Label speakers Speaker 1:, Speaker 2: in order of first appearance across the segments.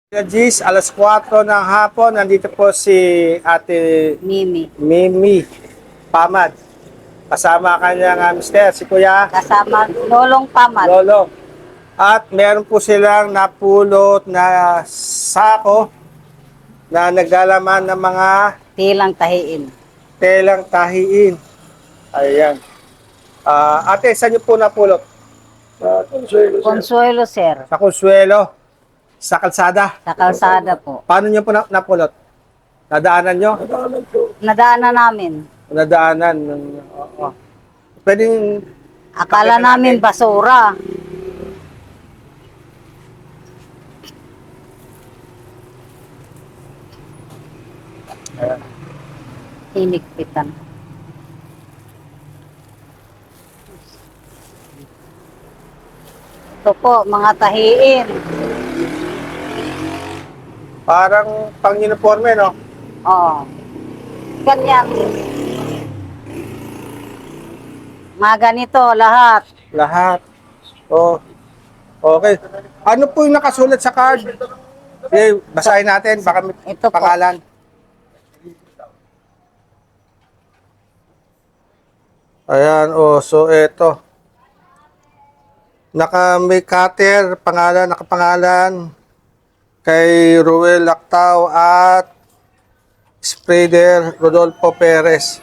Speaker 1: Gis, alas 4 ng hapon, nandito po si Ate Mimi Pamad. Kasama kanyang mister, si Kuya
Speaker 2: Kasama Lolong Pamad.
Speaker 1: Lolo. At meron po silang napulot na sako na naglalaman ng mga
Speaker 2: Tilang tahiin.
Speaker 1: telang tahiin. Ayan. Ate, saan niyo po napulot?
Speaker 2: Consuelo, sir.
Speaker 1: Sa Consuelo, sa kalsada.
Speaker 2: Sa kalsada po.
Speaker 1: Paano niyo po napulot? Nadaanan niyo?
Speaker 2: Nadaanan namin.
Speaker 1: Nadaanan. Oo. Pwedeng
Speaker 2: Akala namin basura. Hinikpitan. Ito po, mga tahiin.
Speaker 1: parang pang-uniforme, no?
Speaker 2: Oo. Ganyan. Mga ganito, lahat.
Speaker 1: Lahat. Oh. Okay. Ano po yung nakasulat sa card? Okay, basahin natin. Baka may
Speaker 2: Ito po.
Speaker 1: pangalan. Ayan, oh. So, eto. May cutter, nakapangalan kay Ruel Lactao at Spreader Rodolfo Perez.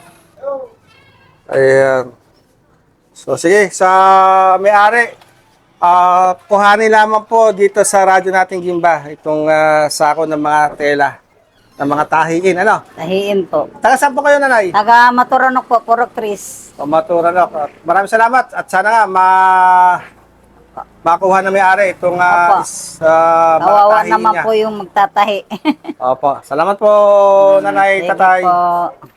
Speaker 1: Ayan. So, sige, sa may-ari, kuhanin lamang po dito sa radyo nating Gimba, itong sako ng mga tela, ng mga tahiin. Ano?
Speaker 2: Tahiin po.
Speaker 1: Taga saan po kayo, nanay?
Speaker 2: Taga Maturanok po, Purok Tris.
Speaker 1: Pamatura na. Maraming salamat at sana nga makuha na may-ari itong
Speaker 2: Opo.
Speaker 1: mga
Speaker 2: Kawawa
Speaker 1: tahiin
Speaker 2: naman
Speaker 1: niya.
Speaker 2: po yung magtatahi.
Speaker 1: Opo. Salamat po, nanay,
Speaker 2: Sige
Speaker 1: tatay.
Speaker 2: po.